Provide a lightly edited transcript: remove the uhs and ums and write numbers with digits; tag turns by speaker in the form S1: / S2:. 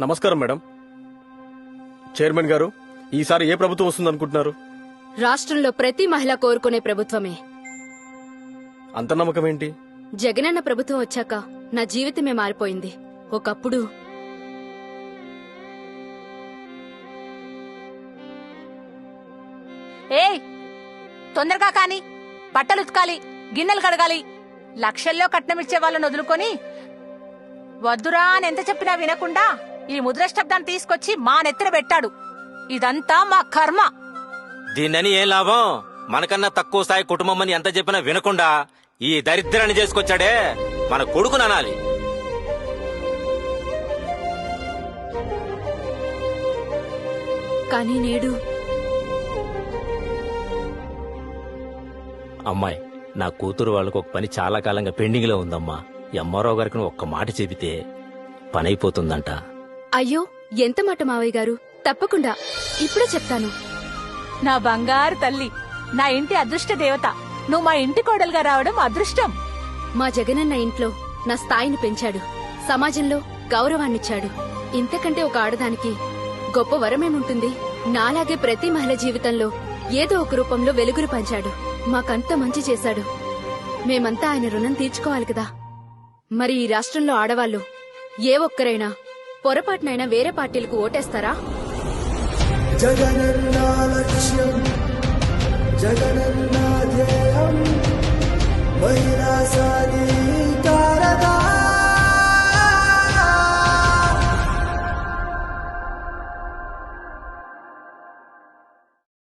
S1: నమస్కారం madam. Chairman గారు, ఈసారి ఏ ప్రభుత్వం వస్తుందనుకుంటున్నారు?
S2: రాష్ట్రంలో ప్రతి మహిళ కోరుకునే ప్రభుత్వమే.
S1: అంత నమ్మకం ఏంటి?
S2: జగనన్న ప్రభుత్వం వచ్చాక నా జీవితమే మారిపోయింది. ఒకప్పుడు
S3: ఏయ్, తొందరగా కాని, బట్టలు ఉతకాలి, గిన్నెలు కడగాలి. లక్షల్లో కట్నమిచ్చే వాళ్ళని వదులుకొని వద్దురా అని ఎంత చెప్పినా వినకుండా ఈ ముద్రష్టబ్దాన్ని తీసుకొచ్చి మా నెత్తిన పెట్టాడు. ఇదంతా మా కర్మ.
S4: దీన్నని ఏం లాభం? మనకన్నా తక్కువ స్థాయి కుటుంబం అని ఎంత చెప్పినా వినకుండా ఈ దరిద్రాన్ని చేసుకొచ్చాడే మన కొడుకుననాలి.
S2: కానీ నేడు
S4: అమ్మాయి, నా కూతురు వాళ్ళకు ఒక పని చాలా కాలంగా పెండింగ్ లో ఉందమ్మా. ఎంఆర్ఓ గారికి నువ్వు ఒక్క మాట చెబితే పని అయిపోతుందంట.
S2: అయ్యో, ఎంత మాట మావయ్య గారు. తప్పకుండా ఇప్పుడే చెప్తాను.
S3: నా బంగారు తల్లి, నా ఇంటి అదృష్ట దేవత, నువ్వు మా ఇంటి కోడలుగా రావడం అదృష్టం.
S2: మా జగనన్న ఇంట్లో నా స్థాయిని పెంచాడు, సమాజంలో గౌరవాన్నిచ్చాడు. ఇంతకంటే ఒక ఆడదానికి గొప్ప వరమేముంటుంది? నాలాగే ప్రతి మహిళ జీవితంలో ఏదో ఒక రూపంలో వెలుగురు పంచాడు. మాకంత మంచి చేశాడు. మేమంతా ఆయన రుణం తీర్చుకోవాలి కదా. మరి ఈ రాష్ట్రంలో ఆడవాళ్లు ఏ ఒక్కరైనా పొరపాటునైనా వేరే పార్టీలకు ఓటేస్తారా?
S5: జగనన్నా లక్ష్యం, జగనన్నా ధ్యేయం, మహిళా సాని